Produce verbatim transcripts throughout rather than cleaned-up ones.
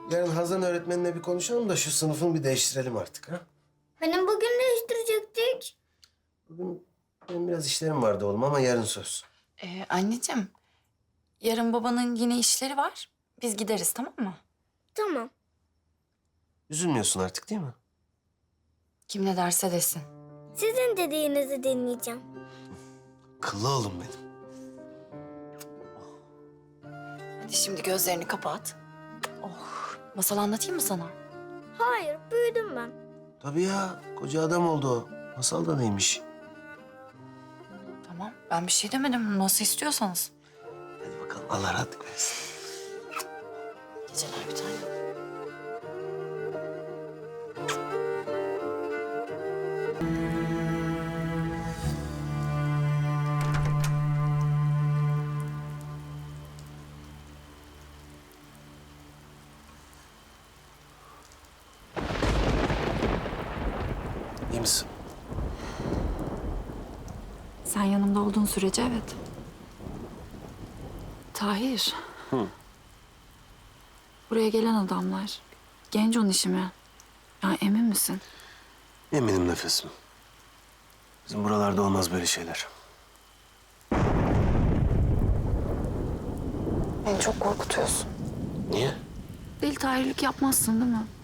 Yarın Hazan öğretmenine bir konuşalım da şu sınıfını bir değiştirelim artık ha. Benim bugün değiştirecektik. Bugün benim biraz işlerim vardı oğlum ama yarın söz. Ee, anneciğim, yarın babanın yine işleri var. Biz gideriz, tamam mı? Tamam. Üzülmüyorsun artık değil mi? Kim ne derse desin. Sizin dediğinizi dinleyeceğim. Kıllı oğlum benim. Hadi şimdi gözlerini kapat. Oh, masal anlatayım mı sana? Hayır, büyüdüm ben. Tabii ya, koca adam oldu o. Masal da neymiş? Tamam, ben bir şey demedim. Nasıl istiyorsanız. Hadi bakalım, Allah rahatlık versin. Geceler bir tane. İyi misin? Sen yanımda olduğun sürece evet. Tahir. Hı. Buraya gelen adamlar Genco'nun işi mi? Ya emin misin? Eminim nefesim. Bizim buralarda olmaz böyle şeyler. Beni çok korkutuyorsun. Niye? Deli Tahirlik yapmazsın değil mi?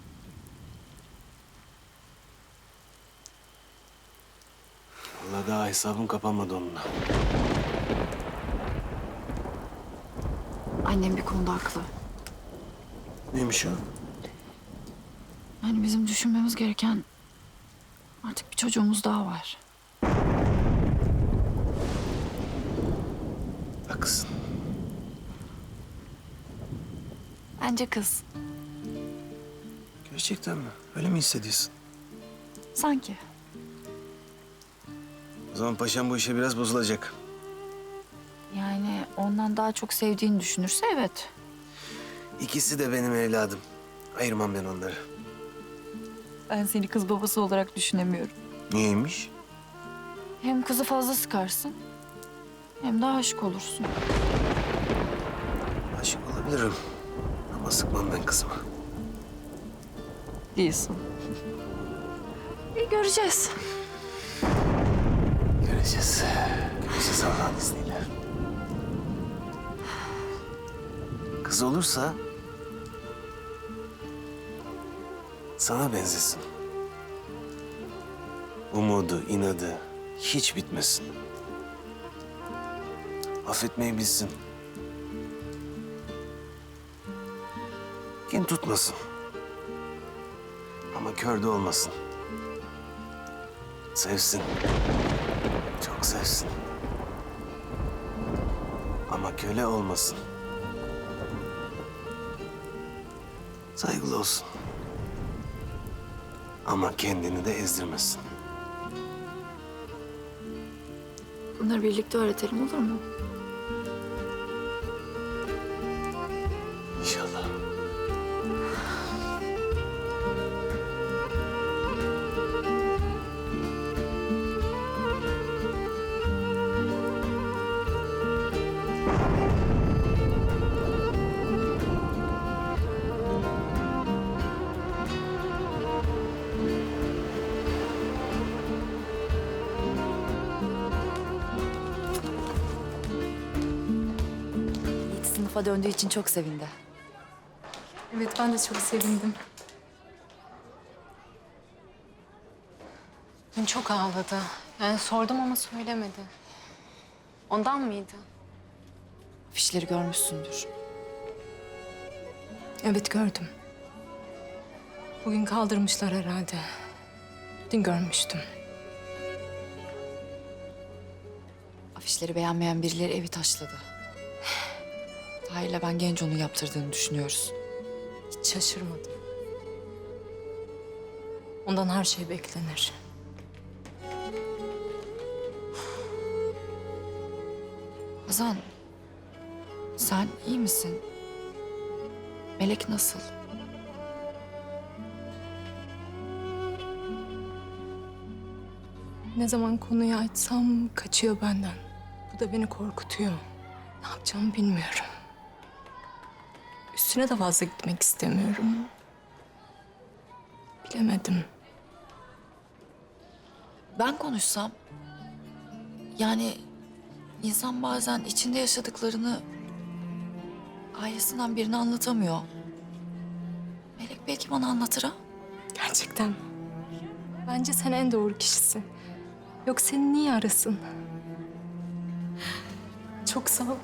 Vallahi daha hesabım kapanmadı onunla. Annem bir konuda haklı. Neymiş o? Yani bizim düşünmemiz gereken artık bir çocuğumuz daha var. Haklısın. Bence kız. Gerçekten mi? Öyle mi hissediyorsun? Sanki. O zaman paşam bu işe biraz bozulacak. Yani ondan daha çok sevdiğini düşünürse evet. İkisi de benim evladım. Ayırmam ben onları. Ben seni kız babası olarak düşünemiyorum. Niyeymiş? Hem kızı fazla sıkarsın hem de aşık olursun. Aşık olabilirim. Ama sıkmam ben kızıma. Değilsin. Bir göreceğiz. Göreceğiz. Göreceğiz Allah'ın izniyle. Kız olursa sana benzesin. Umudu, inadı hiç bitmesin. Affetmeyi bilsin. Kin tutmasın. Ama kör de olmasın. Sevsin. Çok sevsin. Ama köle olmasın. Saygılı olsun. Ama kendini de ezdirmesin. Bunları birlikte öğretelim olur mu? İnşallah. Yiğit sınıfa döndüğü için çok sevindi. Evet, ben de çok sevindim. Dün çok ağladı. Yani sordum ama söylemedi. Ondan mıydı? Afişleri görmüşsündür. Evet, gördüm. Bugün kaldırmışlar herhalde. Dün görmüştüm. Afişleri beğenmeyen birileri evi taşladı. Tahir'le ben Genco'nun yaptırdığını düşünüyoruz. Hiç şaşırmadım. Ondan her şey beklenir. Hazan, sen iyi misin? Melek nasıl? Ne zaman konuyu açsam kaçıyor benden. Bu da beni korkutuyor. Ne yapacağımı bilmiyorum. Üzülüyorum. üstüne de fazla gitmek istemiyorum. Bilemedim. Ben konuşsam... Yani insan bazen içinde yaşadıklarını ailesinden birine anlatamıyor. Melek belki bana anlatır ha? Gerçekten. Bence sen en doğru kişisin. Yok seni niye arasın? Çok sağ ol.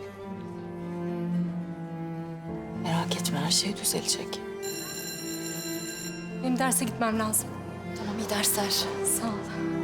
Merak etme, her şey düzelecek. Benim derse gitmem lazım. Tamam, iyi dersler. Sağ ol.